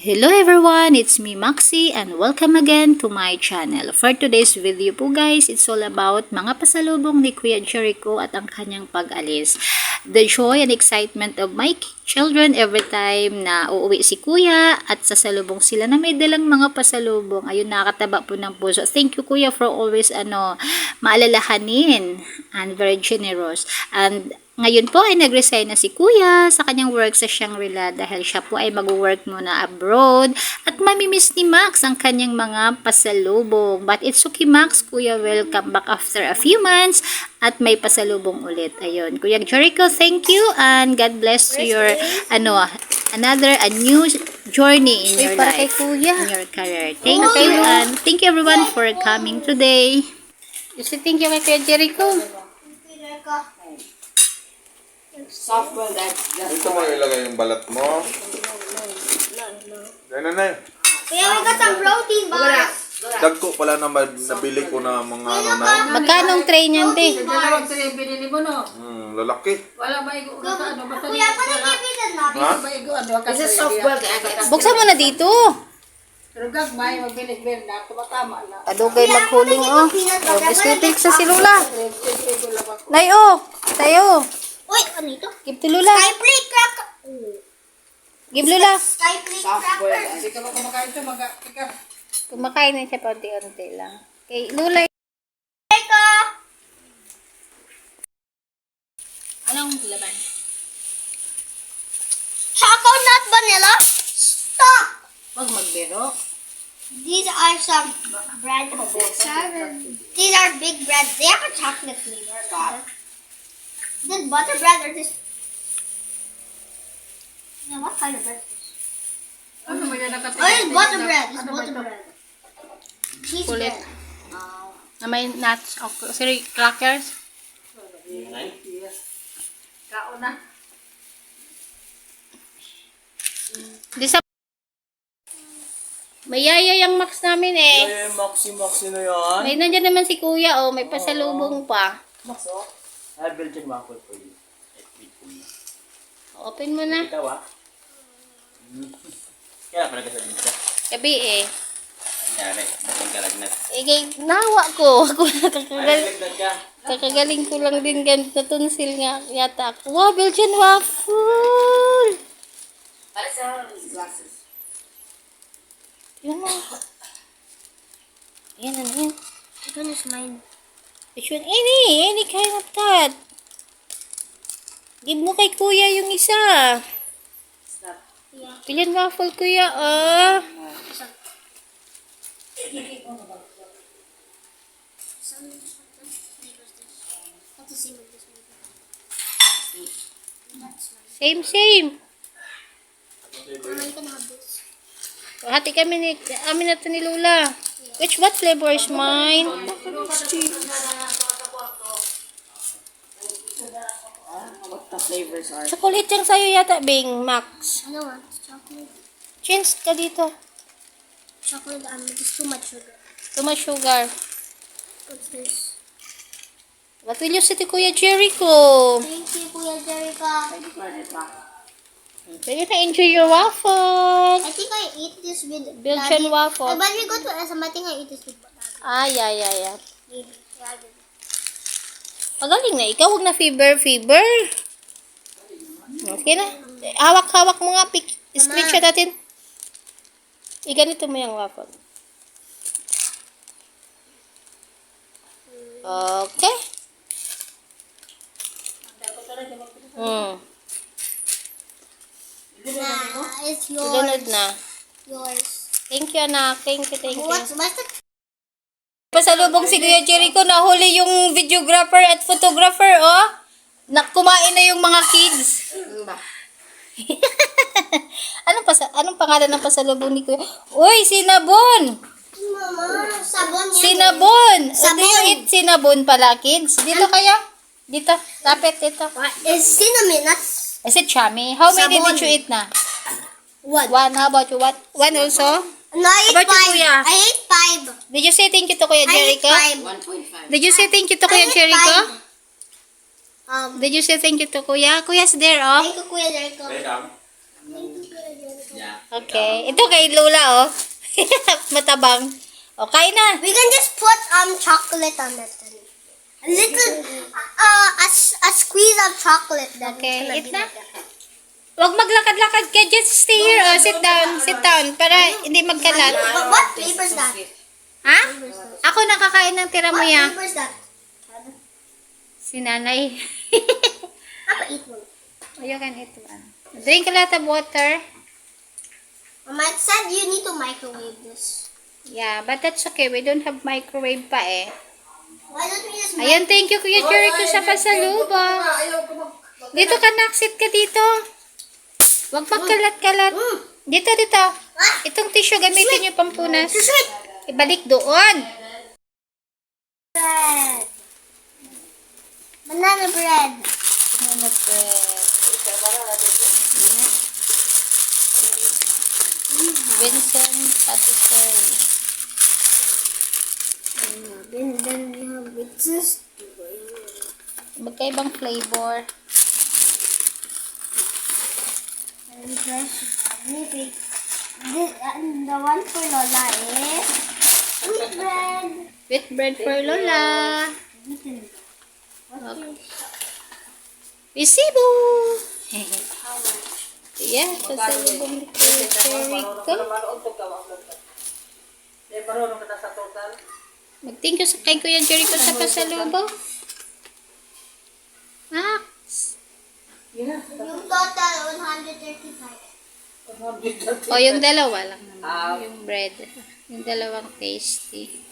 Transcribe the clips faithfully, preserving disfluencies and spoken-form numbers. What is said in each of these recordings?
Hello everyone, it's me Maxi and welcome again to my channel. For today's video po guys, it's all about mga pasalubong ni Kuya Jericho at ang kanyang pag-alis. The joy and excitement of my children every time na uuwi si Kuya at sasalubong sila na may dalang mga pasalubong. Ayun, nakakataba po ng puso. Thank you Kuya for always ano, maalalahanin and very generous. And ngayon po ay nag-resign na si Kuya sa kanyang work sa Shangri-La dahil siya po ay mag-work muna abroad at mamimiss ni Max ang kanyang mga pasalubong. But it's okay Max, Kuya will come back after a few months at may pasalubong ulit. Ayun. Kuya Jericho, thank you and God bless your ano, another a new journey in your life, in your career. Thank you and thank you everyone for coming today. You say thank you kay Kuya Jericho. Softball that. Dito mo ilagay yung balat mo. Yan na na. Kaya may ka sa protein bars. Dagko pala na nabili ko na mga ano na. Magkanong tray niyan, te? Dalawang tray binili mo, no? Hmm, lalaki. Wala ba igo na ano? Basta Kuya, paano kibitan na? Ha? ba igo ano? Kasi softball kaya. Buksan mo na dito. Pero gagmay, magbilis-bilis na. Tumatama na. Kadugay maghuling, oh. Oh, biskutik sa si Lula. Nay, oh. Tayo. Uy, ano ito? Give to Lula. Sky plate cracker. Give Lula. Sky plate Softball. cracker. Hindi ka ba kumakain ito? Mag ika. Kumakain na siya paunti-unti lang. Kay Lula. Teka. Anong laban? Chocolate vanilla. Stop. Huwag magbiro. These are some bread. These are big breads. They have a chocolate flavor. This butter bread or this? Yeah, what kind of bread is this? Ano mo yan nakatay? Oh, it's butter bread. It's butter bread. Cheese Kulit. bread. Na may nuts. O, sorry, crackers. Kao na. Di sa... May yaya yung Max namin eh. Ay, maxi-maxi na yan. May nandyan naman si Kuya, oh. May pasalubong pa. Max, oh. I have Belgian waffle for you. At wait for you. Open mo na. Ikaw, ah. Kaya pala kasabihin ka. Gabi eh. Nangyari, dating kalagnat. Eh, kay, nawa ko. Ako na kakagal, Kalagnat ka. kakagaling ko lang din ganit na tonsil nga yata ako. Wow, Belgian waffle! Para sa glasses. Tingnan mo. Ayan, ano yan? This one is mine. Which one? Any, any kind of that. Give mo kay Kuya yung isa. Belgian waffle, Kuya, ah. Same, same. Hati kami ni, amin na to ni Lola. Which, what flavor is mine? What the flavors are? Chocolate yung sa'yo yata, Bing, Max. I don't want chocolate. Chins ka dito. Chocolate, um, it's too much sugar. Too much sugar. What's this? What will you say to Kuya Jericho? Thank you, Kuya Jericho. Pwede na enjoy your waffle. I think I eat this with Belgian Daddy. waffle. Uh, when we go to S M, I think I eat this with Daddy. Ah, yeah, yeah, yeah. Maybe. Yeah, maybe. Magaling na ikaw. Huwag na fever, fever. Okay na. Hawak-hawak mo nga. Pic screenshot natin. Iganito mo yung waffle. Okay. Hmm. Nah, it's Sunod yours. na. Yours. Thank you, anak. Thank you, thank you. What's, what's the... Pasalubong si Kuya Jericho, nahuli yung videographer at photographer, oh. Nakumain na yung mga kids. anong, pasa anong pangalan ng pasalubong ni Kuya? Uy, cinnabon! Mama, sabon yan. Cinnabon! Do Sabon. you eat cinnabon pala, kids? Dito kaya? Dito. Lapit, dito. What? It's cinnamon, not... Is it chummy? How many Sabon. did you eat na? What? One. How about you? What? One also? No, I ate How about you, five. Kuya? I ate five. Did you say thank you to Kuya I ate Jericho? five. one point five. Did you say thank you to I Kuya ate Jericho? five. Um, Did you say thank you to Kuya? Kuya's there, oh. thank you, Kuya Jericho. Welcome. Thank you, Kuya Okay. Ito kay Lola, oh. Matabang. O, kain na. We can just put um chocolate on it. Then. A little, uh, a, s- a squeeze of chocolate. Then Okay, it's gonna eat be na. like that. Huwag maglakad-lakad ka. Just stay here. Oh, sit down. Sit down. Para hindi magkalat. But what flavor is that? Ha? Ako nakakain ng tira mo What ya. flavor is that? Si nanay. Papa, eat one. Oh, you can eat one. Drink a lot of water. Mama, it said you need to microwave this. Yeah, but that's okay. We don't have microwave pa eh. Why don't we just Ayan, thank you Kuya Jericho sa pasalubong. Ayaw ko mag... Dito ka, naksit ka dito. Huwag magkalat-kalat. Dito, dito. Itong tissue gamitin niyo pampunas. Ibalik doon. bread? Banana bread. Banana bread. Vincent Patisserie. Then, then we have this. Magkaibang flavor. And fresh. Maybe. This, and the one for Lola is wheat bread. Wheat bread for Lola. Wheaten. What Okay. is Resibo. how much? Yeah, pasalubong ni Kuya Jericho. Manood ko ka, wag lang ka. Di, marunong ka na sa total. Mag-thank you sa kay Kuya Jericho sa pasalubong. Max. Yeah. Yung total, one hundred thirty-five. O, yung dalawa lang naman. Ah. Yung bread. Yung dalawang tasty.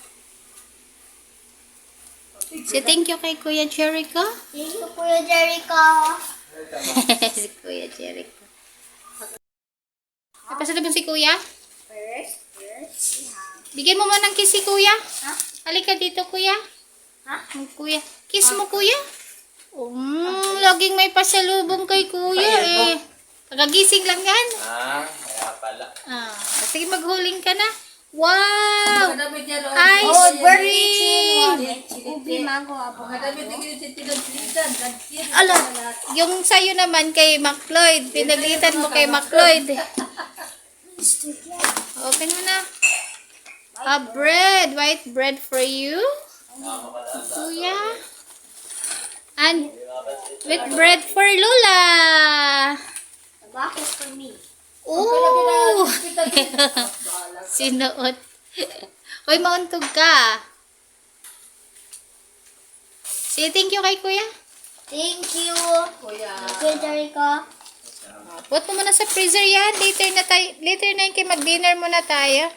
So, thank you kay Kuya Jericho. Thank you, Kuya Jericho. Si Kuya Jericho. Napasalubong si Kuya? First, first, we have... Bigyan mo man ng kiss si Kuya. Ha? Halika dito, Kuya. Ha? Ang Kuya. Kiss mo, Kuya. Um, laging may pasalubong kay Kuya eh. Kagagising lang yan. Ah, kaya pala. Ah, sige, maghuling ka na. Wow! Kadamit yan, o. Ice Oh, birthday cream! treat. Ubi, mango, apple. Kadamit yung tinag-tinag. Nag-tip. Ala, yung sa'yo naman kay McLeod. Pinaglitan mo kay McLeod. Open mo na. A bread. White bread for you. Kuya. And with bread for Lola. The box is for me. Ooh! Sinuot. Hoy, mauntog ka. Say thank you kay Kuya. Thank you, Kuya. Kuya Jericho. Put mo muna sa freezer yan. Later na tayo. Later na yun kay mag-dinner muna tayo.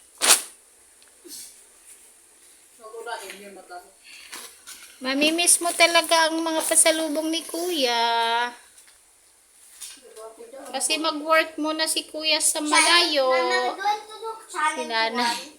Nagulain yung mata. Mamimiss mo talaga ang mga pasalubong ni Kuya. Kasi mag-work muna si Kuya sa malayo. Mama, going to do challenge Si Nanay. one.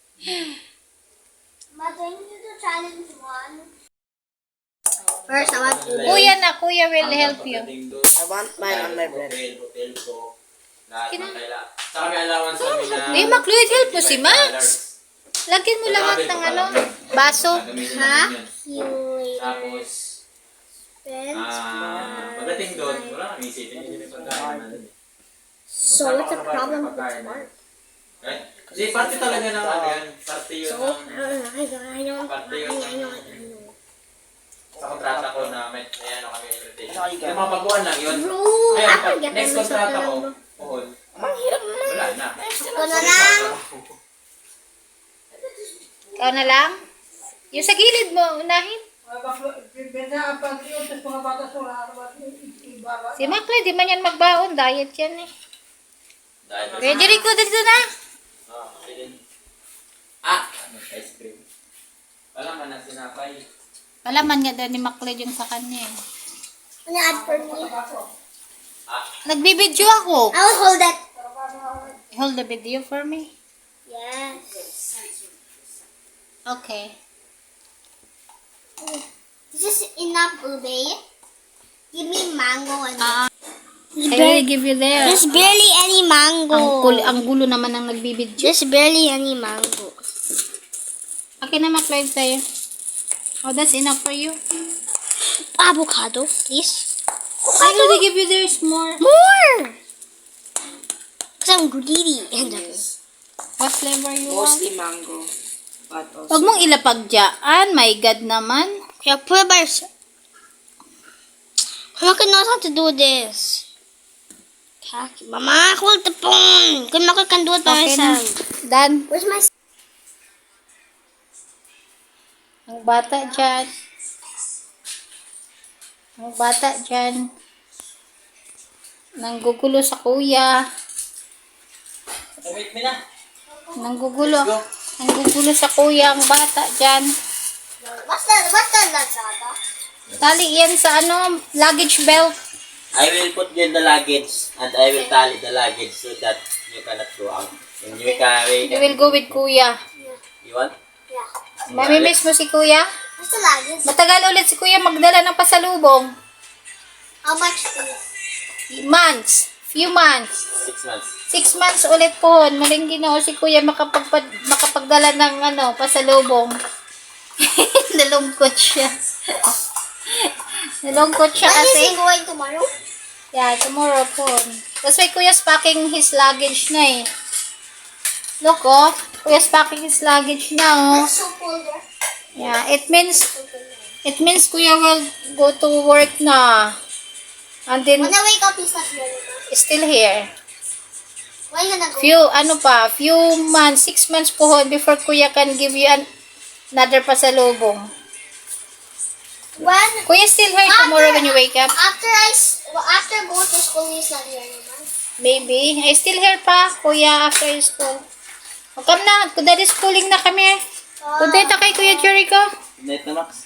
Mama, going to do challenge one. First, I want to do... Kuya na, Kuya will help you. I want mine on my bread. Hotel, hotel ko. Lahat ng kailangan. Saka may allowance kami na... Eh, McLeod, help mo si Max. Lagyan mo lahat ng ano, baso. Ha? You Tapos, spend ah, pagdating doon, wala kami isipin. Hindi may pagkain natin. So, what's the problem with this part? Right? Kasi parte talaga ng ano yan. Parte yun So, ng... I don't, I don't, Parte I yun know, I know, ng... I know. Sa kontrata ko na may, may ano kami invitation. Yung mga baguhan lang yun. Bro, Ngayon, ako pag get next myself kontrata na ko, lang, bro. puhon. Wala na. Ako na lang. Ikaw na lang. Yung sa gilid mo, unahin. Benda, pag yun, tapos mga bata sura, ano ba, ibaba. Si McLeod, di man yan magbaon. Diet yan eh. Dahil Kuya Jericho, dito na. Ah, okay din. Ah! Ano, ice cream. Wala man na sinapay. Palaman nga daw ni McLeod yung sa kanya eh. Ano add for me? Ah, Nagbibidyo ako. I will hold that. Hold the video for me. Yes. Okay. This is enough, Ube. Give me mango and... Ah, I will give you there. There's barely any mango. Ang, kul- ang gulo naman ang nagbibidyo. There's barely any mango. Okay na, McLeod tayo. Oh, that's enough for you. Avocado, please. I already give you there's more. More! I'm greedy. What flavor you want? Mostly mango. But also. Huwag mong ilapag dyan. My God naman. Yeah, put it by yourself. Mama knows how to do this. Kaki. Mama, hold the phone. Good Mama can do it by Okay na. myself. Done. Where's my... Ang bata dyan. Ang bata dyan. Nanggugulo sa kuya. Wait mo na. Nanggugulo. Nanggugulo sa kuya ang bata dyan. What's that? What's that, Lazada? Tali yan sa ano, luggage belt. I will put you in the luggage and I will tally the luggage so that you cannot go out. When you carry, You will go with kuya. you want? Yeah. Mamimiss mo si kuya? What's the luggage? Matagal ulit si kuya magdala ng pasalubong. How much is Months. Few months. Six months. Six months ulit po. Maling ginoo si kuya makapagpad, makapagdala ng ano, pasalubong. Nalungkot siya. Nalungkot siya When is kasi. he going tomorrow? Yeah, tomorrow po. That's why kuya's packing his luggage na eh. Look oh. Kuya's packing his luggage na oh. It's so cold there. Yeah, it means, it means kuya will go to work na. And then, When I wake up, he's not here anymore. still here. When are you gonna go? Few, ano pa, few months, six months po hon before kuya can give you an, another pasalubong. When? Kuya still here tomorrow when you wake up? After I, s- well, after go to school, he's not here anymore. Maybe. I still here pa, kuya, after school. O, come na. Daddy schooling na kami. Good night na kay Kuya Jericho. Net na, Max.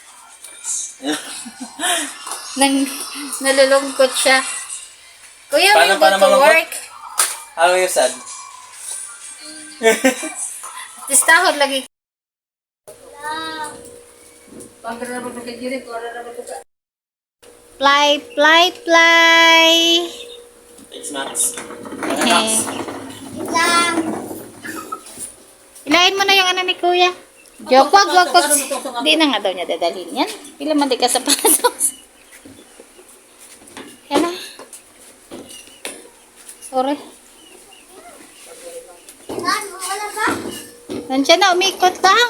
Nang, nalulungkot siya. Kuya, Paano- will go paano to malungkot? work. How are you sad? Tistahod lagi. Fly, fly, fly. Thanks, Max. Eh. Lang. Ilain mo na yung ano ni Kuya. Joke, wag, wag, wag. Di na nga daw niya dadalhin yan. Pila man di ka sa patos. Yan na. Sorry. Lan, wala ba? Nandiyan na, umikot lang.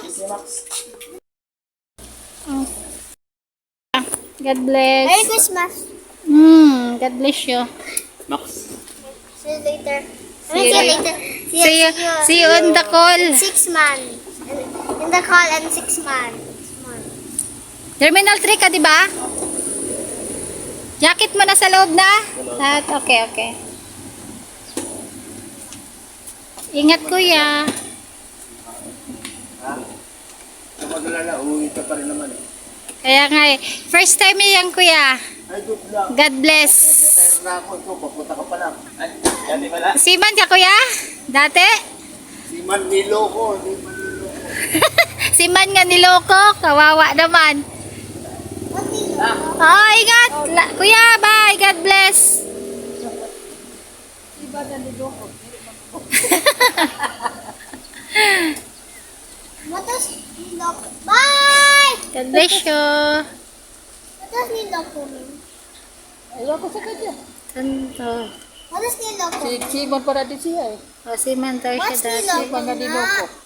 Oh. God bless. Merry Christmas. Hmm, God bless you. Max. See you later. I See mean, you see you later. later. See you, see you on the call. Six months. In the call and six months. Terminal three ka, di ba? Jacket mo na sa loob na? At, okay, okay. Ingat, Kuya. Kapag lala, uwi ka pa rin naman eh. Kaya nga eh. First time yan, Kuya. Ay, doon lang. God bless. Retire na ako ito, papunta ka pa lang. Ay, dati pala. Siman ka, Kuya? Dati? Si Manilo ko, si Manilo ko. Siman nga niloko. Kawawa naman. Oh, ingat. La- Kuya, bye. God bless. What does Nilok? Bye! God bless you. What does Nilok mean? Tanto. What does Nilok mean? Siman para di siya eh. O, siman daw siya What's dati. Nilok? Mga niloko.